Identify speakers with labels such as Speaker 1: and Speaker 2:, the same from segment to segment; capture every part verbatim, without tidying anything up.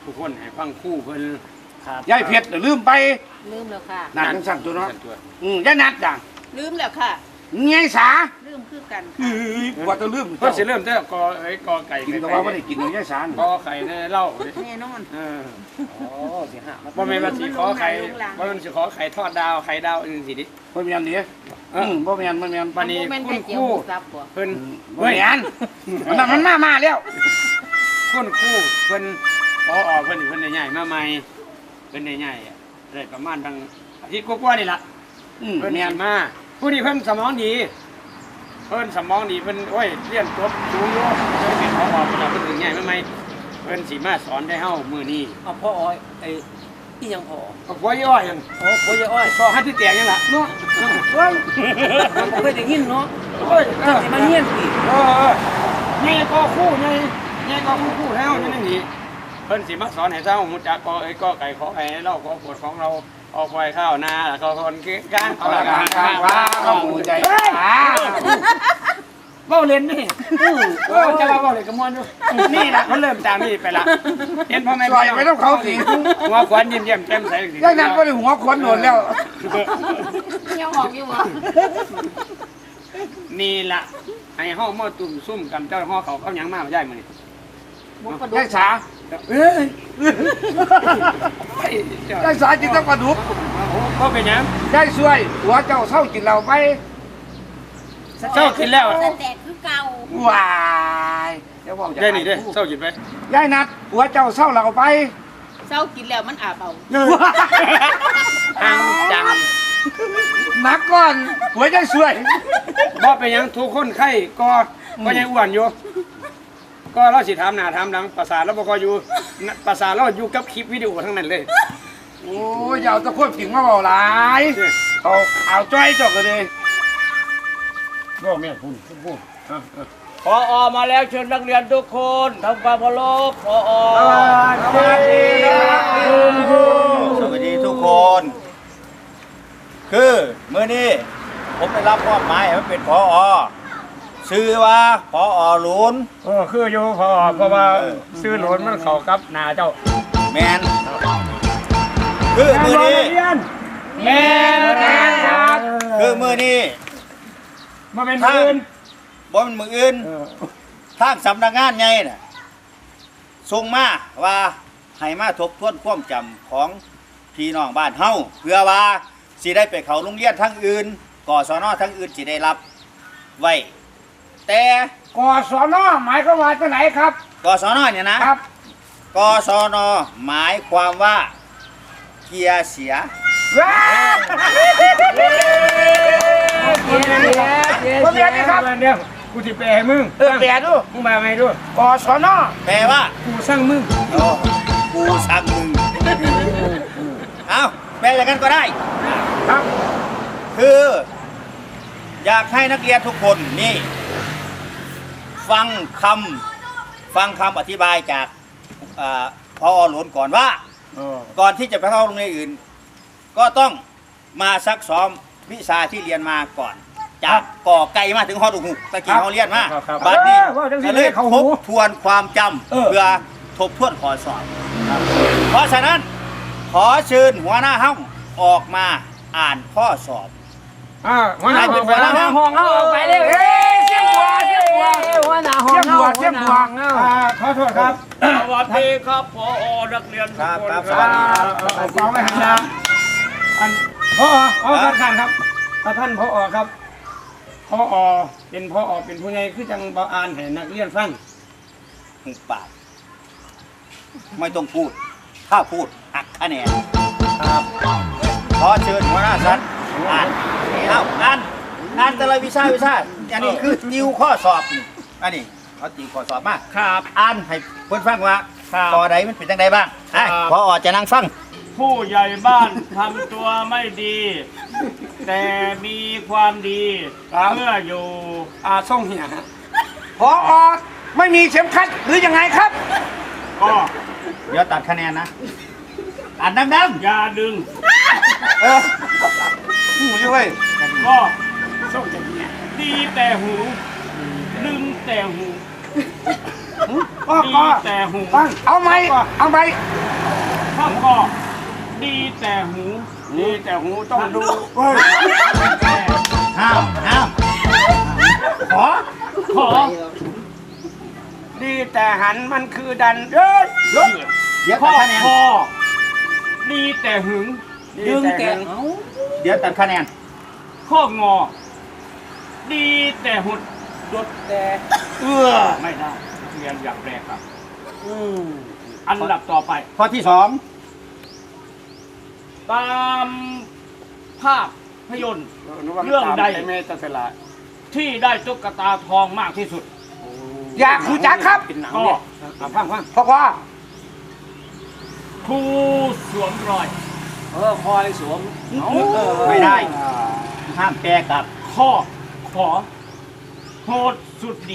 Speaker 1: ทุกคนให้ฟังคู่เพิ่น
Speaker 2: ยายเพชรลืมไป
Speaker 3: ลืมแล้วค่ะ
Speaker 2: นัดจังสั่นตัวเนาะอืมยายนัดจ้ะ
Speaker 3: ลืมแล้วค่ะ
Speaker 2: ไงสา
Speaker 3: ลืมคือกัน
Speaker 2: เอ้ยกว่าจะลืม
Speaker 1: เพิ่นสิเริ่มแต่กอไอ้กอไก่
Speaker 2: กินก็ว่าไม่ได้กินเลยยายสาก
Speaker 1: อไก่ในเหล้า
Speaker 3: แน่นอน
Speaker 1: เออ
Speaker 2: อ๋อสิห้า
Speaker 1: บ่แม่นว่าสิขอไข่บ่แม่นสิขอไข่ทอดดาวไข่ดาวอื่นสิดิ
Speaker 2: บ่แม่นดิอืมบ่แม่นบ่แม่น
Speaker 1: บัดนี้
Speaker 3: แม่น
Speaker 1: คุ
Speaker 3: ไข่
Speaker 1: ณ
Speaker 3: เจี
Speaker 1: ค
Speaker 3: ยว
Speaker 1: รู
Speaker 3: หมูสับบ่
Speaker 1: เพิ่น
Speaker 2: บ่แม่นมันนั่นมันมามาแล้ว
Speaker 1: คุณครูเพิ่นพอออกเพิ่นเพิ่นได้ย้ายมาใหม่เพิ่นได้ย้ายได้ประมาณตั้งอาทิตย์กว่าๆนี่ล่ะ
Speaker 2: อืม
Speaker 1: เพิ่น
Speaker 2: แม่
Speaker 1: สิ
Speaker 2: น
Speaker 1: มาผู้นี้เพิ่นสมองดีเพิ่นสมองดีเพิ่นโอ้ยเรียนจบสูงอยู่เพิ่นเป็นพออเพิ่นเอาเพิ่นถึงย้ายมาใหม่เพิ่นสิมาสอนได้เฮามื้อนี้
Speaker 4: เอาพ่ออ้อยไอ้ที่ยังพ่อ
Speaker 1: ก็บ่ย่อยหยัง
Speaker 4: โอ้พ่อยายอ้อย
Speaker 1: สอหัดที่แตกยังล่ะเนาะ
Speaker 4: เฮ้ยมันเคยได้ยินเนาะ
Speaker 1: โอ้ยเออ
Speaker 4: สิมาเฮียนสิ
Speaker 1: เออเออใหญ่ก็คู่ใหญ่ใหญ่ก็คู่คู่แล้วนั่นนี่เพิ่นสิมาสอนให้เจ้าฮู้จักก็ไอ้ก็ไก่ขอไอ้เราก็ปวดของเราเอาควายข้าวนาแล้วก็คนกลาง
Speaker 2: เอาละกันข้างว่าเข้าหูใจอ่า
Speaker 1: เว้าเล่นนี่เออจะว่าเว้าเล่นกับมวนอยู่นี่ล่ะเพิ่นเริ่มจากนี่ไปละเห็นพ่อแม่
Speaker 2: ปล่อยไปต้องเขาสิ
Speaker 1: หัวขวัญยิ้มแย้มแจ่มใสสิ
Speaker 2: ยายนัดบ่ได้หัวควนโดนแล้ว
Speaker 3: เที่ยวออกอยู่บ่
Speaker 1: นี่ล่ะให้เฮามาตุ่มซุ่มกันเจ้าฮ้อเขาเอาหยังมาบ่ได้มื้อนี้
Speaker 3: หมูกระดู
Speaker 2: ยาก ยสา
Speaker 1: เอ้ย
Speaker 2: ยายสาจิตต้องปลาดุก
Speaker 1: ก็เป็นหยัง
Speaker 2: ยายช่วยหัวเจ้าเศร้ากินเหล้าไป
Speaker 1: เจ้ากินแล้ว
Speaker 3: แต่คือเก่า
Speaker 2: ว้ายเดี๋ยวบอกจะ
Speaker 1: ได้นี่เด้เจ้ากินไป
Speaker 2: ยายนัดหัวเจ้าเศร้าเหล้าไป
Speaker 3: เศร้ากินแล้วมันอาบเอา
Speaker 1: อังจัง
Speaker 2: นักก่อนหัวยายช่วย
Speaker 1: บ่เป็นหยังทุกคนไข้ก็ก็ยังอ้วนอยู่ ก็เราสิถามหน้าถามหลังภาษาเราบ่ก็อยู่ภาษาเราอยู่กับคลิปวิดีโอทั้งนั้นเลย
Speaker 2: โอ้ยอย่าเอาตะควบผิงมาเบาหลายเอาเอาจ้อยจอกกันเลย
Speaker 1: บ่แม่พูดพูด
Speaker 4: พออมาแล้วเชิญนักเรียนทุกคนทำความเคารพพออ
Speaker 2: สวัสดีครับคุณครู
Speaker 5: สวัสดีทุกคน คือเมื่อนี้ผมได้รับมอบหมายให้เป็นพออชื่อว่าพออหลุน
Speaker 1: เออคืออยู่พอเพราะว่าซื้อโหลนมันเข้ากับหน้าเจ้า
Speaker 5: แมนคือมือนี้
Speaker 1: แม่นครับ
Speaker 5: คือมือนี้
Speaker 1: มาเป็นมื้ออื่น
Speaker 5: บ่เป็นมืออื่นทางสำนักงานใหญ่น่ะส่งมาว่าให้มาทบทวนความจำของพี่น้องบ้านเฮาเพื่อว่าสิได้ไปเข้าโรงเรียนทั้งอื่นกศนทั้งอื่นสิได้รับไว้แต่
Speaker 2: กศนหมายความว่าจะไหนครับ
Speaker 5: กศนเนี่ยนะครับ กศนหมายความว่าเกียร์เสีย
Speaker 2: ว้าวผมเรียนนี่ครับ
Speaker 1: เดี๋ยวกูสิแปลให้มึง
Speaker 2: เออแปลดู
Speaker 1: มึงมาไหมดู
Speaker 2: กศน
Speaker 5: แปลว่า
Speaker 1: กูสั่งมึง
Speaker 5: โอ้กูสั่งมึงเอาแปลอย่างนั้นก็ได้
Speaker 2: ครับ
Speaker 5: คือ อยากให้นักเรียนทุกคนนี่ ฟังคำฟังคำอธิบายจากเอ่อพอหลวนก่อนว่า
Speaker 1: เออ
Speaker 5: ก่อนที่จะไปเข้าโรงเรียนอื่น ก็ต้องมาซักซ้อมวิชาที่เรียนมาก่อน จากก่อไก่มาถึงฮอดุหุกตะกี้เขาเรียนมาบัดนี้ก็เลยทบทวนความจำเพื่อทบทวนข้อสอบ เพราะฉะนั้นขอเชิญหัวหน้าห้องออกมาอ่านข้อสอบ
Speaker 1: อ่าหัวหน้า
Speaker 5: ให้เป็นหัวหน้าห้อง
Speaker 4: ห้องเอาออกไปเลย
Speaker 2: เอ้ยเสียงหัวเสียงหัว
Speaker 4: หัวหน้าห้อง
Speaker 2: เสียงหัวเสียงหัว
Speaker 1: อ่าขอโทษครับ
Speaker 4: สวัสดีครับพอนักเรียนทุกคน
Speaker 5: ครับ
Speaker 4: ค
Speaker 5: สวั
Speaker 4: รั
Speaker 5: สดี
Speaker 4: บ
Speaker 1: เอาฟังไว้ให้นะอันพออ๋อท่านท่านครับท่านท่านพอครับพอเป็นพอเป็นผู้ใหญ่คือจังบ่อ่านให้นักเรียนฟัง
Speaker 5: หุบปากไม่ต้องพูด ถ้าพูดหักคะแนนครับขอเชิญหัวหน้าชั้นอ่านเอาอ่านอ่านแต่ละวิชาวิชาอันนี้คือติวข้อสอบนี่อันนี้เขาติวข้อสอบมา
Speaker 4: ครับ
Speaker 5: อ่านให้เพื่อนฟังว่า
Speaker 4: ครับ
Speaker 5: ข้อใดมันเป็นจังใดบ้างไอ้
Speaker 4: ครับ
Speaker 5: พอจะนั่งฟัง
Speaker 4: ผู้ใหญ่บ้านทำตัวไม่ดี แต่มีความดีเมื่ออยู่
Speaker 1: อ่าส่งเหีย
Speaker 2: พอไม่มีเข็มขัดหรือยังไงครับ
Speaker 4: ก็
Speaker 5: เดี๋ยวตัดคะแนนนะอ่านดัง
Speaker 4: อย่าดึง
Speaker 5: ๆเออ
Speaker 2: หูด้วย
Speaker 4: ก็
Speaker 1: ส่งจากเหีย
Speaker 4: ดีแต่หู ดึงแต่หู
Speaker 2: พ่อ
Speaker 4: ดี
Speaker 2: ก็
Speaker 4: แต่หู
Speaker 2: ฟังเอาไหมเอาไหม
Speaker 4: ข้อก็ดีแต่หู
Speaker 1: นี่แต่หูต้องดู
Speaker 2: เฮ้ย
Speaker 5: ห้ามห้ามขอ
Speaker 4: ขอ
Speaker 1: ดีแต่หันมันคือดันเอ้ย
Speaker 5: เดี๋ยว
Speaker 4: ข้
Speaker 5: ตั
Speaker 4: อ
Speaker 5: ดคะแนน
Speaker 4: คอดีแต่หึง
Speaker 1: ดีแต่หัน
Speaker 5: เดี๋ยวตัดคะแนน
Speaker 4: ข้องอ ดีแต่หุด
Speaker 1: ดดแต่
Speaker 5: เอื้อ
Speaker 4: ไม่ได้เรียนอย่างแรกครับอันดับต่อไป
Speaker 5: ข้อที่สอง
Speaker 4: ตามภาพยนตร์ เรื่องใด
Speaker 1: เมตสละ
Speaker 4: ที่ได้ตุ๊กตาทองมากที่สุด
Speaker 2: อยากรู้จักครับ
Speaker 1: เป็นหนัง
Speaker 4: ก็
Speaker 1: เนี่ยเอาฟังฟัง
Speaker 2: พ่อว่า
Speaker 4: ครูสวมรอย
Speaker 1: เออคอยสวม
Speaker 5: ไม่ได้ ห้ามแปรกลับ
Speaker 4: ข้อขอโหดสุดดี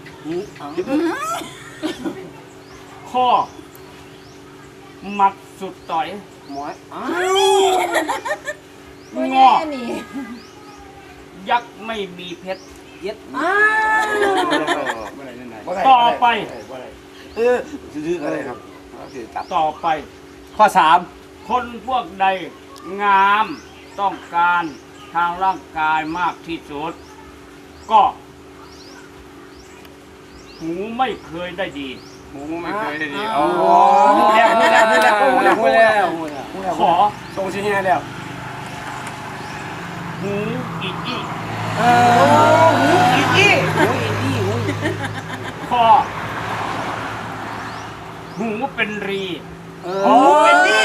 Speaker 4: ข้อหมัดสุดต่อย
Speaker 1: หมอยอ้าว
Speaker 4: งอ ยักษ์ไม่มีเพชร
Speaker 1: เย็ดอ้าวเมื่อไหร่นั่นไหน
Speaker 4: ต่อไป
Speaker 2: เออซื้ออะไรครับซื้อตับ
Speaker 4: ต่อไป
Speaker 5: ข้อสาม
Speaker 4: คนพวกใดงามต้องการทางร่างกายมากที่สุด ก็หูไม่เคยได้ดี
Speaker 1: หมูไม่เคยได้ดี
Speaker 2: อ๋
Speaker 1: โอ้
Speaker 2: อ
Speaker 1: นี่แล้วนี่แล้วนี่แล้ว
Speaker 2: นี่
Speaker 1: นี่
Speaker 2: แล้
Speaker 1: แล้ว
Speaker 2: ว
Speaker 1: นี่แล้ว
Speaker 4: ขอ
Speaker 1: ทรงชิ้นนี้แล้ว
Speaker 4: หูอีกอีก
Speaker 2: เออหูอีอี้หูอีอี้หู
Speaker 4: คอหูเป็นรี
Speaker 2: หูเป็นนี่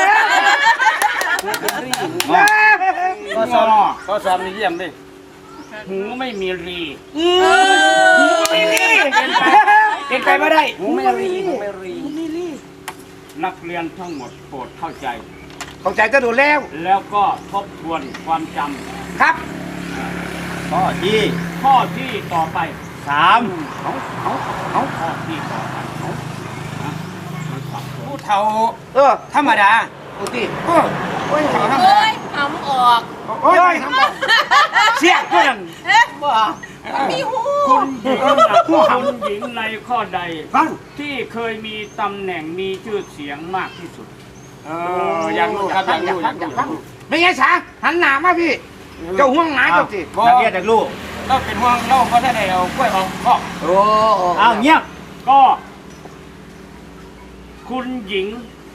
Speaker 1: ก็สอบก็สอบนี่เยี่ยมดิ
Speaker 4: หูไม่มีรี
Speaker 2: หูไม่นี่เก่งไปไม่ได้หูไม่รีหูไม่รี
Speaker 4: นักเรียนทั้งหมดโปรดเข้าใจ
Speaker 2: เข้าใจก็ดูแล้ว
Speaker 4: แล้วก็ทบทวนความจ
Speaker 2: ครับ
Speaker 5: ข้อที่
Speaker 4: ำข้อที่ต่อไป
Speaker 5: สาม
Speaker 2: เอาเอาเอา
Speaker 4: ข้อที่ต่อไปนะมันสับสน
Speaker 1: ผู้เฒ่า
Speaker 2: เออ
Speaker 1: ธรรมดา
Speaker 2: ดูสิเออโอ้ยเขาทำ
Speaker 3: เอ้ยทำออก
Speaker 2: โอ้ยทำเสียเพื่อน
Speaker 3: เอ๊ะบ่มีหู
Speaker 4: คุณหญิงคุณหญิงในข้อใด
Speaker 2: ฟัง
Speaker 4: ที่เคยมีตำแหน่งมีชื่อเสียงมากที่สุด
Speaker 1: เอออยากรู้ครับอยากรู้อยากรู้อยากรู้
Speaker 2: ไม่ใช่สาหันหน้ามาพี่ เจ้าห่วงหนาเจ้าสิ
Speaker 5: นักเรียนนักลูก
Speaker 1: เราเป็นห่วงเราก็ได้เอากล้วยออกคอก
Speaker 2: โอ้
Speaker 5: อ้าวเงียบ
Speaker 4: ก็ คุณหญิง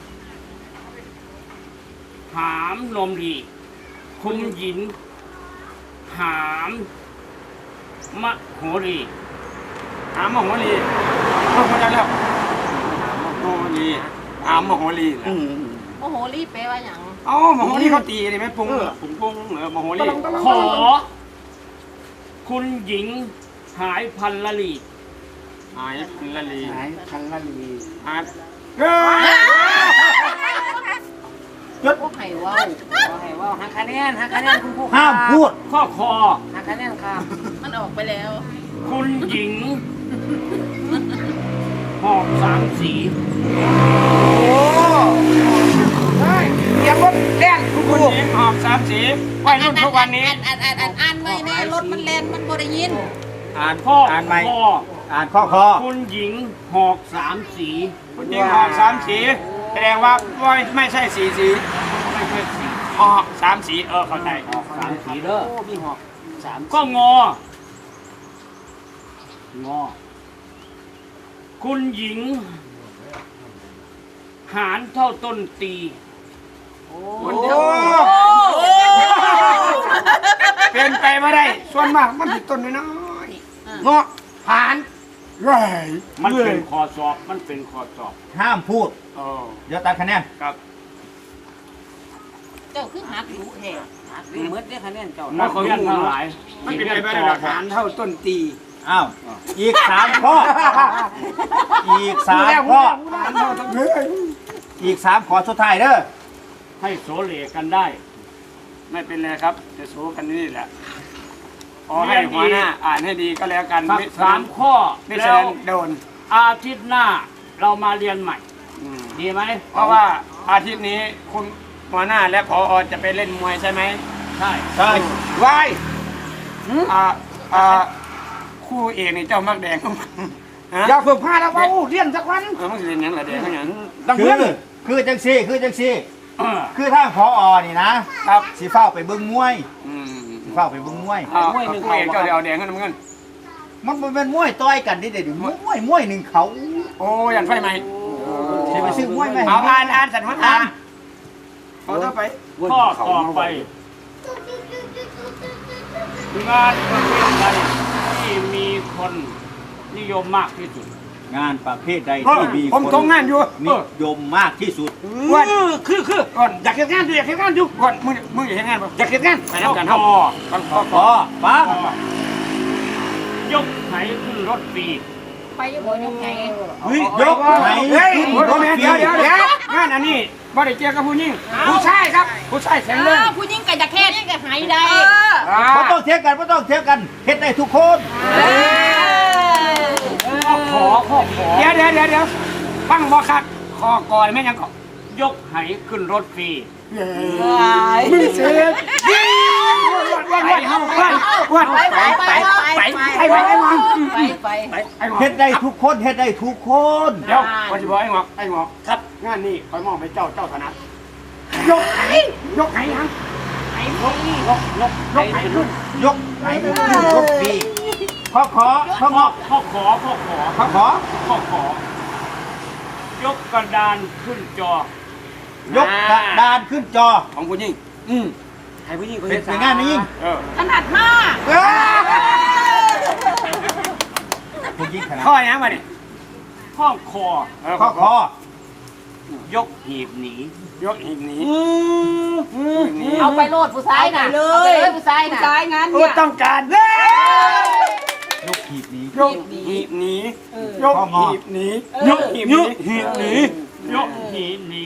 Speaker 4: หามนมดี คุณหญิง หามมะโหรี
Speaker 1: หามโหรีเขาคนนั้นแล้วโหรีหามโหรี
Speaker 2: อืม
Speaker 3: โอ้โหรีบไปว่าอย่าง
Speaker 1: เอ้าโหรีเขาตีนี่ไหมปรุงปรุงปรุงเออโหรี
Speaker 4: ขอ คุณหญิง หายพันละลี
Speaker 1: หายละลี
Speaker 2: ไหนพันละลี
Speaker 1: หายเออ
Speaker 3: พวกไห้ว่าว
Speaker 2: ให้ว่าหักคะแนนหักคะแนนคุณครู
Speaker 5: ห้ามพูด
Speaker 4: ข้อคอ
Speaker 2: หักคะแนนครับ
Speaker 3: มันออกไปแล้ว
Speaker 4: คุณหญิง หอบสามสี
Speaker 2: โอ้เฮ้ยเดี๋ยวรถแล่นคุณค
Speaker 1: คุณ
Speaker 2: รู
Speaker 1: หญิงหอบสามสีวัยรุ่นทุกวันนี้
Speaker 3: อ่านอ่านอ่านอ่านไม่แน่รถมันแล่นมันบ่ได้ยิน
Speaker 1: อ่าน
Speaker 4: ข้อ
Speaker 5: อ่านใหม่
Speaker 4: คอ
Speaker 5: อ่านข้อคอ
Speaker 4: คุณหญิง หอกสามสี
Speaker 1: คุณหญิงหอบสามสีแสดงว่าไม่ไม่ใช่สีสี
Speaker 4: ไม่ใช่สี
Speaker 1: หอบสามสีเออเข้าใจ
Speaker 4: หอกสามสีเด้อ
Speaker 2: โอ้มีหอกสาม
Speaker 4: ก็งอ งอ คุณหญิง หารเท่าต้นตี
Speaker 1: คนเดียวเป็นไปไม่ได้ ส่วนมากมันติดต้นน้อย
Speaker 2: เงาะผ่านไร
Speaker 4: มันเป็นคอสอบ มันเป็นคอสอบ
Speaker 5: ห้ามพูด
Speaker 1: ๆโอ้
Speaker 5: เดี๋ยวตัดคะแนน
Speaker 1: ครับ
Speaker 3: เจ้าคือหักหูแท้
Speaker 2: เมื่อได้คะแนนเจ้า
Speaker 4: นักเรียนทั้งหลาย
Speaker 1: มันเป็นไปไม่ได้หลักฐานเท่าต้นตี
Speaker 5: อ้าว อีกสามข้อ อีกสามข้อ
Speaker 1: ฐานเท่าต้นตี
Speaker 5: อีกสามข้อสุดท้ายเด้อ
Speaker 4: ให้โสเลกันได้
Speaker 1: ไม่เป็นไรครับ จะสู้กันนี่แหละขอให้หัวหน้าอ่านให้ดีก็แล้วกัน
Speaker 4: สัก
Speaker 1: ไม่
Speaker 4: สามข้อ
Speaker 1: ไม่
Speaker 4: แล้
Speaker 1: เชิ
Speaker 4: ว
Speaker 1: ญโดน
Speaker 4: อาทิตย์หน้าเรามาเรียนใหม่
Speaker 1: อืม
Speaker 4: ดีไหม
Speaker 1: เพราะว่าอาทิตย์นี้คุณหัวหน้าและผอจะไปเล่นมวยใช่ไหม
Speaker 4: ใช่
Speaker 5: ใช่
Speaker 2: วาย
Speaker 1: อ่าอ่าคู่เอกนี่เจ้ามักแดง
Speaker 2: เอย่าฝึกพลาดแล้วว่าเรียนสักวัน
Speaker 1: เออมันสิเรียนหยังล่ะเด็กเขาหยัง
Speaker 2: ดัง
Speaker 5: คื
Speaker 2: เพื่อ
Speaker 5: อน คือจังซี่คือจังซี่ คือทางพอนี่นะครับ สิเฝ้าไปเบิ่งมวย
Speaker 1: อืม
Speaker 5: สิเฝ้าไปเบิ่งมวย
Speaker 1: เอาเอาคุยเจ้าเดี๋ยวเอาแดงกันน้ำเงิน
Speaker 5: มันบ่แม่นมวยต่อยกันดิเด้อมวยมวยหนึ่งเขา
Speaker 1: โอ้ยันไฟไหม
Speaker 5: สิไปซื้อมวยไหม
Speaker 1: เอาอ่านอ่านสันพันอ่านเอาต่อไป
Speaker 4: ข้อต่อไปงานประเภทใดที่มีคนนิยมมากที่สุด
Speaker 5: งานประเภทใด
Speaker 1: เออ
Speaker 5: ที่มี
Speaker 1: ผม
Speaker 5: คน
Speaker 1: ทำงานอยู่
Speaker 5: นิยมมากที่สุด
Speaker 1: ก่อน
Speaker 2: คือคือ
Speaker 1: ก่อน
Speaker 2: อยากเห็นงานอยู่อยากเห็นงานอยู่
Speaker 1: ก่อนมึงมึงอย่าเห็นงานป่ะ
Speaker 2: อยากเห็นงาน
Speaker 1: ไปน้ำกันเท่าก่อนขอ
Speaker 5: พอฟัง
Speaker 4: ยกไหขึ้นรถฟรี
Speaker 3: ไปยังบ่ยังไง
Speaker 5: เฮ้ยยกไหน
Speaker 1: เฮ้ย
Speaker 5: ขึ้นร
Speaker 1: ร
Speaker 5: ถ
Speaker 1: ถ
Speaker 5: ฟรี
Speaker 1: เดี๋ยวเดี๋ยวเดี๋ยวงานอันนี้บ่ได้เจอกับผู้หญิงผู้ชายครับ ผู้ชายแข็งแรง
Speaker 3: ผู้หญิงก็จะแค่นี้ก็หายได้
Speaker 5: บ่ต้องเทียบกันบ่ต้องเทียบกันเฮ็ดได้ทุกคน
Speaker 4: ข้อขอข้อขอ
Speaker 1: เดี๋ยวเดี๋ยวเดี๋ยวเดี๋ยวฟังบ่คักคอก่อนแม่ยังก่อน
Speaker 4: ยกไหขึ้นรถฟรี
Speaker 1: มึงเสียวันวันวันวันวัน
Speaker 3: ไปไปไปไปไป
Speaker 1: ไอ้หวังไอ้หวัง
Speaker 3: ไปไป
Speaker 1: ไอ้หวัง
Speaker 5: เฮ็ดได้ทุกคนเฮ็ดได้ทุกคน
Speaker 1: เดี๋ยววันที่บอกไอ้หวังไอ้หวังครับงานนี้คอยมองไปเจ้าเจ้าถนัดยกไหยกไหยัง
Speaker 3: ไปไป
Speaker 1: ยกยกยกไหขึ้น
Speaker 5: ยกไหขึ้นรถฟรีขอขอขอขอ
Speaker 4: ข้อขอข้อขอ
Speaker 5: ขอขอ
Speaker 4: ข้อขอ ยกกระดานขึ้นจอ
Speaker 5: ยกกระดานขึ้นจอ
Speaker 1: ของผู้หญิงอืมให้ผู้หญิงเขา
Speaker 5: เป็
Speaker 1: เห็
Speaker 5: น
Speaker 1: น
Speaker 5: เป็นงานนี้ยิ่ง
Speaker 1: เออ
Speaker 3: ถนัดมาก
Speaker 5: ผู้ยิ่งขนาด
Speaker 1: ข้อยังมาเนี่ย
Speaker 4: ข้อคอ
Speaker 5: ขอขอย
Speaker 4: กหีบหนี
Speaker 1: ยกอีกนี้
Speaker 3: เอาไปโลดผู้ชายน่ะเอาไปเลยผู้ชายน่ะผู้ชายงั้น
Speaker 1: โอ้ต้องการเด้
Speaker 5: ยกหีบนี้
Speaker 1: ยกหีบหนียกหีบหนียกหีบหีบหนี
Speaker 4: ยกหีบหนี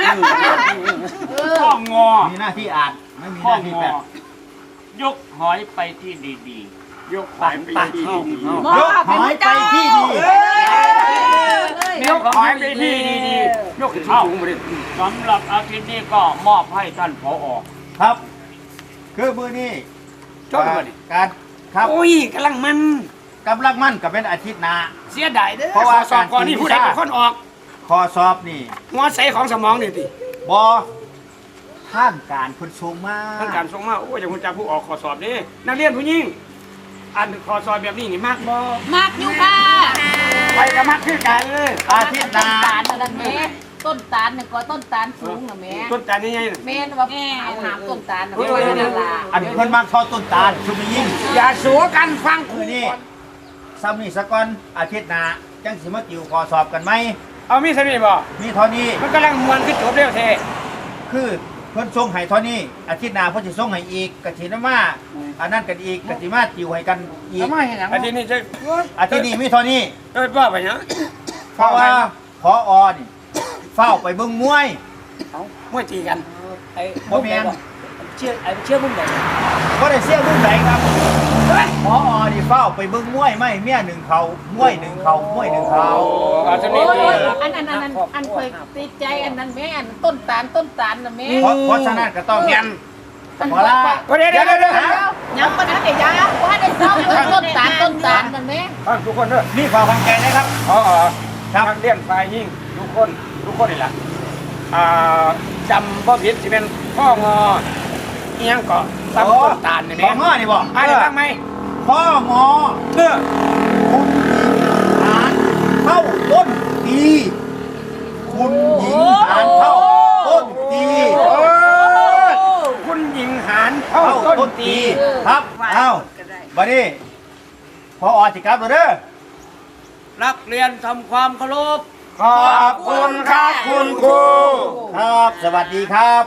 Speaker 4: ข้องอ
Speaker 5: มีหน้าที่อ่านไม่มีห
Speaker 4: ข้อ
Speaker 5: น้าที่
Speaker 4: ง
Speaker 5: แปล
Speaker 4: อยกหอยไปที่ดี
Speaker 1: ยกหายไปที่ดี
Speaker 5: ยกหอยไปที่ดี
Speaker 1: ยกหายไปที่ดียกขึ้นสูงมาดิ
Speaker 4: ๆสำหรับอาทิตย์นี้ก็มอบให้ท่านผอ
Speaker 5: ครับ คือมือนี้
Speaker 1: ชอบมาดิ
Speaker 5: การครับ
Speaker 1: โอ้ยกำลังมัน
Speaker 5: กำลังมั่นกับเป็นอาทิตย์หน้า
Speaker 1: เสียดายเด้อ
Speaker 5: เพราะว่า
Speaker 1: สอบก่อนนี่ผู้ใดเป็นคนออก
Speaker 5: คอสอบนี่
Speaker 1: หัวใสของสมองนี่ติ
Speaker 5: บอท่านการคนสูงมาก
Speaker 1: ท่านการส่งมาโอ้ยจะคุณจะผู้ออกขอสอบนี่นักเรียนผู้หญิงอันขอสอบแบบนี้นี่มากบ่
Speaker 3: มากอยู่ค่ะ
Speaker 1: ไปกับมักคือกันเลย
Speaker 5: อาทิตย์ห
Speaker 3: ต้
Speaker 5: น้าน
Speaker 3: ตาลนั่นแม่ต้นตาลเนี่ยก็ต้นตาลสูงนะแม่
Speaker 1: ต้นจานนี่ไง
Speaker 3: แม่ว่าหาหามต้นตาลนะแม่นั่นล่ะ
Speaker 5: อันเพิ่นมากทอดต้นตาลชุมยิ่ง
Speaker 1: อย่าสัวกันฟัง
Speaker 5: คือนี่ซ้ำนี่สะก่อนอาทิตย์หน้าจังสิมาติวคอสอบกันไหม
Speaker 1: เอามีสนิทบ่
Speaker 5: มีเท่านี้
Speaker 1: มันกำลังมวนขึ้นจบเร็วเท
Speaker 5: คือเพิ่นส่งให้เท่านี้อาทิตย์หน้าเพิ่นสิส่งให้อีกกะสินมาอันนั้นกันอีกกะสิมาติวให้กันอีก
Speaker 2: ทำไมเห็นอย่าง
Speaker 1: อาทิตย์นี้จะ
Speaker 5: อาทิตย์นี้มีเท่านี้
Speaker 1: เอ้ยว่าไปเนาะ
Speaker 5: เพราะว่าพออนี่เฝ้าไปเบิ่งมวย
Speaker 1: มวยตีกัน
Speaker 2: ไอ้
Speaker 5: บ่แม่น
Speaker 2: เชื่อไอ้เชื่อมึงไหน
Speaker 5: บ่ได้เสียรุ่นไหนครับพออนี่เฝ้าไปเบิ่งมวยไม่เมียหนึ่งเขามวยหนึ่งเขามวยหนึ่งเขา
Speaker 1: เอาสนิ
Speaker 3: โอ้
Speaker 1: ท
Speaker 3: ย
Speaker 1: ดี
Speaker 3: อันอันอันอันอันเคยติดใจอันนั้นแม่อันต้นตาลต้นตาลนะแม่
Speaker 5: เพราะเพราะฉะนั้นก็ต้อง
Speaker 1: ยัน
Speaker 3: อัน
Speaker 5: พอละ
Speaker 1: เดี๋ยวเดี๋ยวเดี๋ยวเดี๋ยว
Speaker 3: ยังมาทันเดี๋ยวยาว่าได้ซ้อมต้นตาลต้นตาลนั่นแม่
Speaker 1: ฟังทุกคนเด้อ
Speaker 5: นี่ความความแก่นะครับ
Speaker 1: อ๋อทางเลี้ยงฝ่ายยิ่งทุกคนทุกคนนี่แหละอ่าจำบ่ผิดสิเป็นพ่องอเอียงเกาะซ้ำต้นตาลนี่
Speaker 5: ข
Speaker 1: แม่
Speaker 5: องง้อนี่บ่
Speaker 1: อ่านได้ฟังไหม
Speaker 5: พ่องอ
Speaker 1: เออ
Speaker 5: คุณหญิงหานเข้าต้นตีคุณหญิงหานเข้าต้นตี
Speaker 1: โอ้ยคุณหญิงหานเข้า
Speaker 5: เข้า
Speaker 1: ต้
Speaker 5: ต้
Speaker 1: น
Speaker 5: น
Speaker 1: ตี
Speaker 5: ตีครับเอ้าบัดนี้พออสิครับเด้อ
Speaker 4: นักเรียนทำความเคารพ
Speaker 1: ขอบคุณครับคุณครู
Speaker 5: ครับ สวัสดีครับ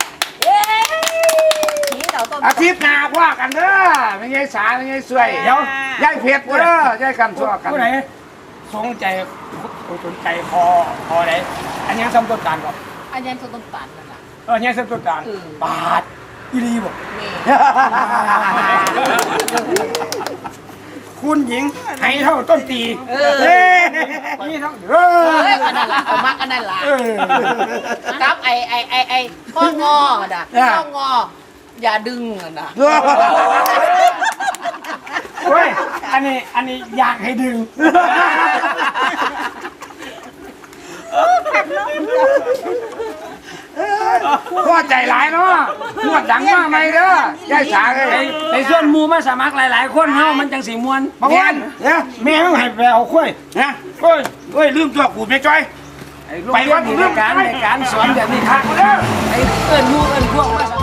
Speaker 1: อาทิตย์หน้าว่ากันเด้อไม่ใช่สาไม่ใช่สวยเดี๋ยวยายเพชรเด้อยายกันชั่วกันผู้ไหนสนใจสนใจคอคอไหนอันนี้ซ้ำต้นตาลก่อน
Speaker 3: อันยันต้นตาลนั่นล่ะ
Speaker 1: เออเนี่ยซ้ำต้นตาลบาทอีรีบอก
Speaker 3: แม่
Speaker 1: คุณหญิงให้เท่าต้นตีเออนี่เท่าเอ
Speaker 3: เอ้ย
Speaker 1: อ
Speaker 3: อันนั้นล่ะเอามักอันนั้นล่ะ
Speaker 1: เออ
Speaker 3: กับไอไอไอไอข้องอน่ะข้องออย่าดึงน่ะ
Speaker 1: เฮ้ยอันนี้อันนี้อยากให้ดึงพ่อใจร้ายเนาะนวดดังมากไหมเด้อยายสาเลย
Speaker 2: ในส่วนหมู่มาสมัครหลายๆคนเฮามันจังสิม่วน
Speaker 1: บางวันเนี่ยแม่ต้องให้ไปเอาข้อยนะเฮ้ยเฮ้ยลืมตัวกูไม่จ้อย
Speaker 2: ไปวัดในการในการสอนแบบนี้ครับไอ้เอิ้นหมู่เอิ้นพวกมา